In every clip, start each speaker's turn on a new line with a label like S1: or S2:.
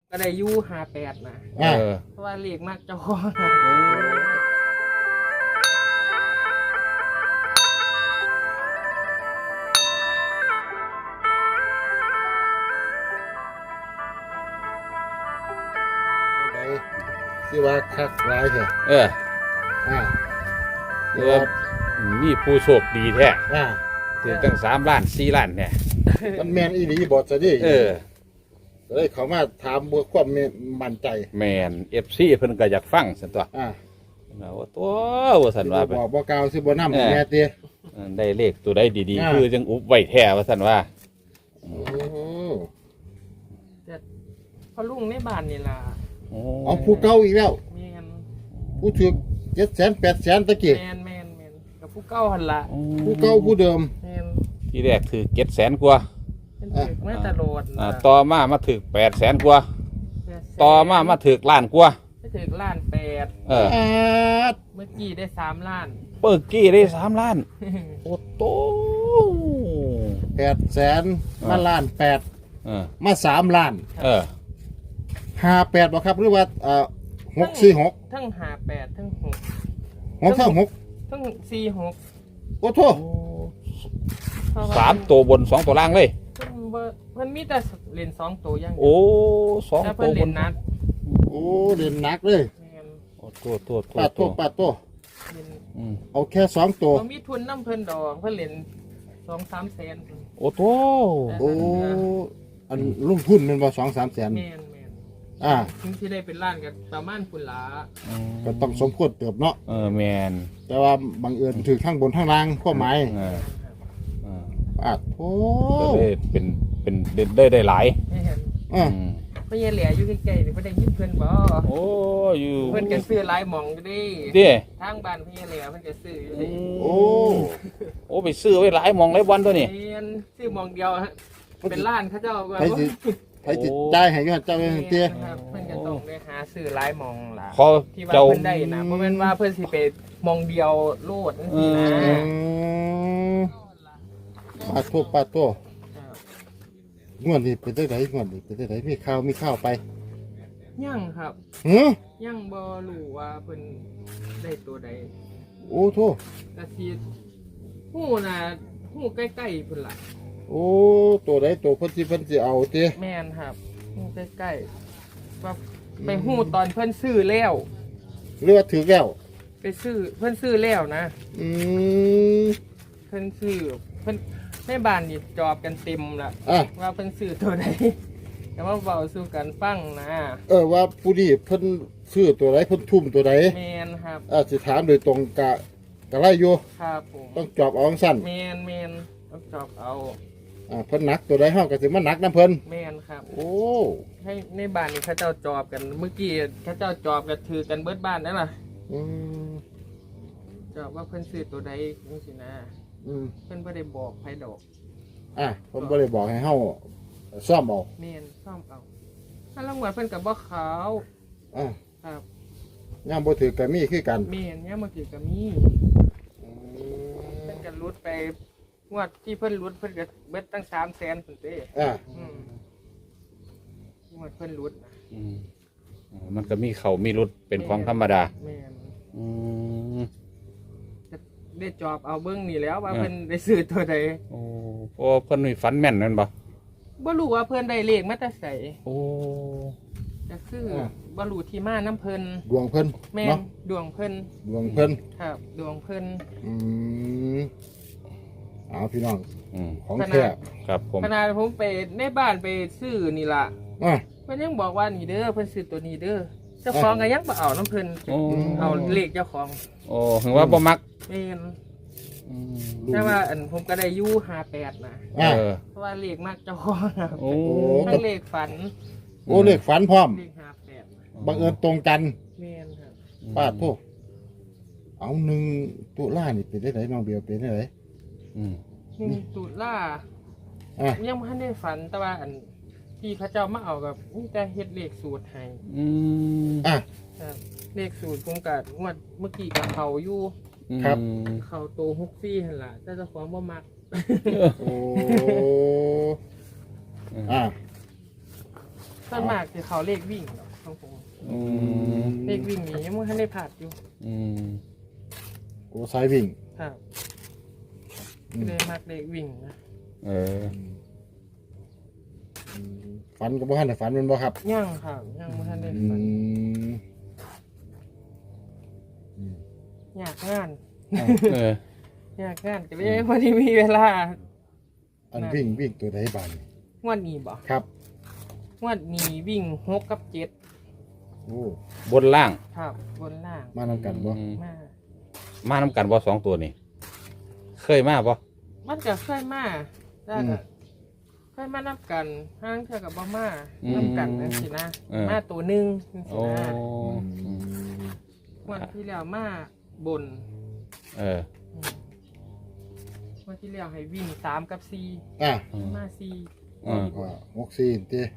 S1: ก็ได้อยู่58นะเพราะว่าเลขมากเจ้าของ
S2: ที่ว่าคักร้ายแท้
S3: คือว่ามีผู้โชคดีแท้ถึงตั้ง3 ล้าน 4 ล้านเนี่ย
S2: มันแมนอีหลีบอจะดิเลยเขามาถามเพื่อความมั่นใจ
S3: แมนFC เพิ่นก็อยากฟังซั่นตัวว่าตัวว่าซั่นว่า
S2: บอกบ่กล่าวสิบ่นำแม่เตี้ย
S3: ได้เลขตัวใดดีๆคือจังอุบไว้แท้ว่าซั่นว่า
S1: แต่พอลุงในบ้านนี่ล่ะ
S2: เอาผู้เก่าอีกแล้วผู้ถือ700,000 800,000ตะกี้
S1: แม่นกับผู้เก่าหั่นล่ะ
S2: ผู้เก่าผู้เดิม
S3: ทีแรกถือ700,000 กว่า
S1: มาตลอด
S3: ต่อมาถึก800,000 กว่าต่อมาถึกล้านกว่า
S1: ถึกล้าน8เมื่อกี้ได้3 ล้าน
S3: เมื่อกี้ได้3 ล้านโอ้โต
S2: 800,000มาล้าน8มา3 ล้าน58บ่ครับหรือว่า646
S1: ทั้ง58ทั้ง
S2: 6ทั้ง
S1: 46
S2: โอ้โธ่
S3: 3 ตัวบน2 ตัวล่างเลย
S1: เพิ่นมีแต่เล่น2 ตัวอย่าง
S3: โอ้2 ตัวบน
S1: นัก
S2: โอ้เล่นนักเลย
S3: โอ้ตัว
S2: ปาโตเอาแค่2 ตัว
S1: มีทุนน้ำเพิ่นดอกเพิ่นเล่น 2-3 แสน
S3: โอ้โธ
S2: โอ้อันลงทุนมันบ่ 2-3 แสน
S1: แม่นถึงสิได้เป็นล้านก็ประมาณพุ่นล่ะ
S2: ก็ต้องสมควรเติบเนาะ
S3: แม่น
S2: แต่ว่าบังเอิญถือข้างบนข้างล่างข้อหมายโอ้
S3: เป็นได้หลาย
S1: เพราะยังเหลืออยู่ใกล้ๆนี่เพิ่นได้ยินเพิ่นบ่
S3: โอ้อยู่
S1: เพิ่นก็ซื้อหลายหม่องอยู่
S3: ดิ
S1: ทางบ้านเพิ่นเหลือเพิ่นก็ซื้ออยู่
S3: โอ้ไปซื้อไว้หลายหม่องหลายวันตัวนี้
S1: ซื้อหม่องเดียวฮะเป็นล้านเขาเจ้าก็
S2: ใครสิจ่ายให้อยู่เจ้าเตี้ย
S1: เพิ่นก็ต้องได้หาซื้อหลายหม่องล่ะที่ว่า
S3: เ
S1: พิ่นได้นะบ่แม่นว่าเพิ่นสิไปหม่องเดียวโลดจังซี่นะ
S2: ปาโตงวดนี้เป็นได้ไหนงวดนี้เป็นได้ไหนมีข้าวไป
S1: ยังครับยังบ่รู้ว่าเพิ่นได้ตัวใด
S2: โอ้โธ่
S1: ก็สิฮู้น่ะฮู้ใกล้ๆพุ่นล่ะ
S2: โอ้ตัวใดตัวเพิ่นสิเอาติ
S1: แม่นครับฮู้ใกล้ๆว่าไปฮู้ตอนเพิ่นซื้อแล้ว
S2: หรือว่าถือแล้ว
S1: ไปซื้อเพิ่นซื้อแล้วนะเพิ่นซื้อเพิ่นในบ้านนี่จอบกันเต็มละว่าเพิ่นซื้อตัวใดแต่ว่าเว้าสู่กันฟังนะ
S2: ว่าผู้นี้เพิ่นซื้อตัวใดเพิ่นทุ่มตัวใด
S1: แม่นครับ
S2: สิถามโดยตรงกะไล่อยู่
S1: ครับผม
S2: ต้องจอบเอาสั้น
S1: แม่นต้องจอบเอา
S2: เพิ่นหนักตัวใดเฮาก็สิมาหนักนำเพิ่น
S1: แม่นครับ
S2: โอ้
S1: ให้ในบ้านนี่เขาเจ้าจอบกันเมื่อกี้เขาเจ้าจอบกันถือกันเบิดบ้านนั่นล่ะจอบว่าเพิ่นซื้อตัวใดจังซี่นะเพิ่นบ่ได้บอกไผดอก
S2: เพิ่นบ่ได้บอกให้เฮาซ่อมเอา
S1: แม่นซ่อมเอาถ้ารางวัลเพิ่นก็บ่ขาวครับ
S2: ยามบ่ถือก็มีคือกัน
S1: แม่นยามบ่ถือก็มีเพิ่นก็หลุดไปงวดที่เพิ่นหลุดเพิ่นก็เบิดตั้ง300,000พุ่นเด้งวดเพิ่นหลุด
S3: มันก็มีเขามีรุดเป็นของธรรมดา
S1: แม่นได้จอบเอาเบิ้งนี่แล้วว่าเพิ่นได้ซื้อตัวใด
S3: โอ้เพราะเพิ่นมีฝันแม่นนั่นบ่
S1: รู้ว่าเพิ่นได้เลขมาแต่ไส
S3: โอ้
S1: จะซื้อบ่รู้ที่มาน้ำเพิ่น
S2: ดวงเพิ่น
S1: แม่นดวงเพิ่นครับดวงเพิ่น
S2: เอาพี่น้องของแท้
S3: ครับผม
S1: ขนาดผมไปในบ้านไปซื้อนี่ล่ะเพิ่นยังบอกว่านี่เด้อเพิ่นซื้อตัวนี้เด้อเจ้าของก็ยังบ่เอาน้ำเพิ่นเอาเลขเจ้าของ
S3: โอ้ถึงว่าบ่มัก
S1: แม่นแต่ว่าผมก็ได้อยู่58นะเพราะว่าเลขมากเจ้าของทั้งเลขฝัน
S2: เลขฝันพร้อม
S1: เลข58
S2: บังเอิญตรงกัน
S1: แม่นครับ
S2: ป้าโทษเอา1 ตุลานี่เป็นได้ไหนน้องเบียวเป็นได้ไหน
S1: 1 ตุลายังบ่ทันได้ฝันแต่ว่าที่พระเจ้ามาเอากับนี่แต่เฮ็ดเลขสูตรให้เลขสูตรผมก็งวดเมื่อกี้กับเขาอยู่
S2: ครับ
S1: เขาโต64หั่นล่ะแต่เจ้าของบ่มัก
S2: โอ้
S1: ส่วนมากคือเขาเลขวิ่งของผม
S3: อืม
S1: เลขวิ่งนี้ยังไม่ทันได้ผ่านอยู่
S3: อืม
S2: โอ้สายวิ่ง
S1: ครับเลยมักเลขวิ่งนะ
S3: เออ
S2: ฝันก็บ่ทันได้ฝันแมันบ่ครับ
S1: ย่างครับย่างไม่ทันได้
S2: อื
S1: ฝัน
S2: ม
S1: อยากงาน
S3: เออ
S1: อยากงานก็เลยพอดีมีเวลา
S2: อันวิ่งตัวใดบ้านนี่
S1: งวดนี้บ่
S2: ครับ
S1: งวดนี้วิ่ง6 กับ
S2: โอ้
S3: บนล่าง
S1: 7ครับบนล่าง
S2: มานำกันบ่
S3: อืม
S1: มา
S3: มาน้ำกันบ่สองตัวนี่เคยมาบ่
S1: มันก็เคยมาได้ก็เคยมานับกันห้างเท่ากับบ่มานับกันนั่นสินะมาตัวหนึงนั่นสิ
S3: โอ้
S1: นะ
S2: อืม
S1: วันที่แล้วมาบน
S3: เออ
S1: วันที่แล้วให้วิ่ง3 กับ
S2: อ่ะ
S1: 4มา4
S3: อืม
S2: ว่า64ติ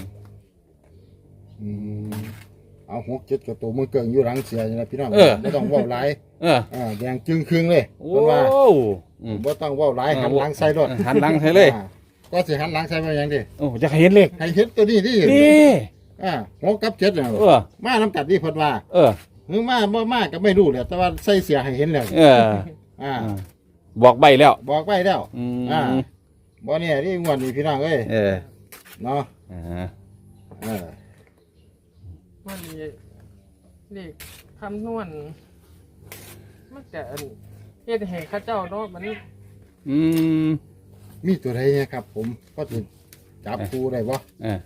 S2: อืมเอา67กับตัวมือเกิงอยู่หลังเสียนี่นะพี่น้องบ่ต้องเว้าหลาย
S3: เออ
S2: แดงจึงครึ่งเลย
S3: โอ้
S2: เพิ่นว่า
S3: อืม
S2: บ่ต้องเว้าหลายหันหลังใส่รถ
S3: หันหลังให้เลย
S2: ก็สิหันหลังใส่มาหยังดิ
S3: โอ้จะเห็นเลข
S2: ให้เห็นตัวนี้ที่
S3: นี่
S2: 6กับ7น่ะ
S3: เออ
S2: มานํกันที่เพิ่นว่า
S3: เออ
S2: หรือมาบ่มาก็ไม่รู้แหละแต่ว่าใส่เสียให้เห็นแล้ว
S3: เออ
S2: อ่า
S3: บอกใบแล้ว
S2: บอกไว้แล้ว
S3: อืม
S2: บ่เนี่ยนี่งวดนี้พี่น้องเอ้ย
S3: เออ
S2: เนาะ
S3: อ่า
S2: เออ
S1: วันนี้เลขคำนวณมันจะเฮ็ดให้เข้าเจ้าเนาะมัน
S3: อืม
S2: มีตัวใดเนี่ยครับ ผมก็สิจับคู่ได้บ่
S3: เออ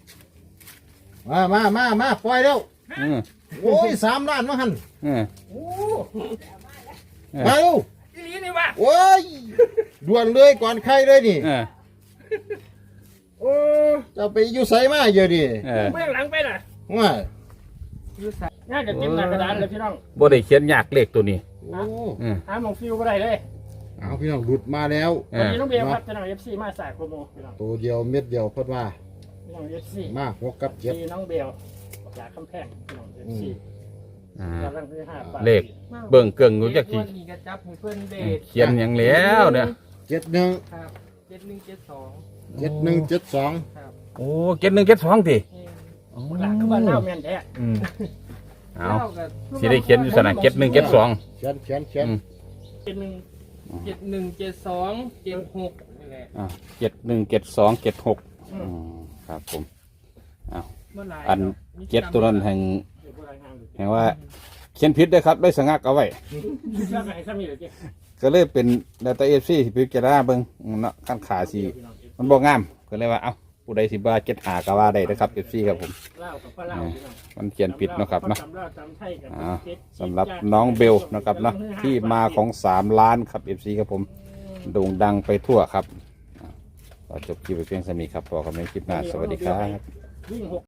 S2: มาปล่อยแล้ว
S3: อืม
S2: โอ้ย3ล้านมาหั่น
S3: เออ
S1: โอ้
S2: มาเร็ว
S1: อีหลีนี่ว่ะ
S2: โอ้ยด่วนเลยก่อนใครเลยนี่
S3: เออ
S2: โอ้จะไปอยู่ไสมาเยอะดิ
S3: เออ
S1: เบื้องหลังไปน่ะ
S2: ว่า
S1: อยู่ใส่น่าจะเต็มหน้ากระดานเลยพี่น้อง
S3: บ่ได้เขียนยากเลขตัวนี้
S2: โอ้
S3: อืม
S1: หาหมองฟิวบ่ได้เลย
S2: เอาพี่น้องหลุดมาแล้ว
S3: เอ
S1: วัน
S3: อ
S1: นี้น้องเบลครับจะนำ FC มาสายโปรโมพี่น้อง
S2: ตัวเดียวเม็ดเดียวเพิ่นว่า
S1: พี่น้อง FC
S2: มา6กับ
S1: มีน้องเบลจากคำแพงพี่น้อง FC
S3: อ่า
S1: กำลังที่5ปาก
S3: เลข เบิ่งเกิ่งรู้จัก
S1: ที
S3: ที
S1: นี้ก็จับให้เพิ่นเดท
S3: เขียนหยังแล้วเนี่ย
S2: 7 71
S1: ครับ7172
S2: 7172
S1: ครับ
S3: โอ้เจ็ดหนึ่งเจ็ดสองที
S1: หลักคือบ้านเล่าแม่นแท้
S3: อืมเอา
S1: เล่ากับ
S3: สิได้เขียนอยู่สนะเจ็ดหนึ่งเจ็ดสอง
S2: เขียน
S1: 7172 76นี่แหละ
S3: เจ็ดหนึ่งเจ็ดสองเจ็ดหกครับผม
S1: เมื่อไหร่
S3: อันเจ็ดตัวนั้นแห่งว่า เขียนผิดได้อครับ ได้สงักเอาไว้ ก็เลยเป็นดัตต้าเอฟซีที่พิจารณาเบิ่งเนาะขั้นขาสีมันบ่งามก็เลยว่าเอ้าผู้ใดสิบ่าเจ็ดหาก็ว่าได้นะครับเอฟซีครับผมมันเขียนผิดเนาะครับเนาะสำหรับน้องเบลนะครับเนาะที่มาของ3 ล้านครับเอฟซีครับผมโด่งดังไปทั่วครับก็จบคลิปไปเพียงเท่านี้ครับพอกันในคลิปหน้าสวัสดีครับ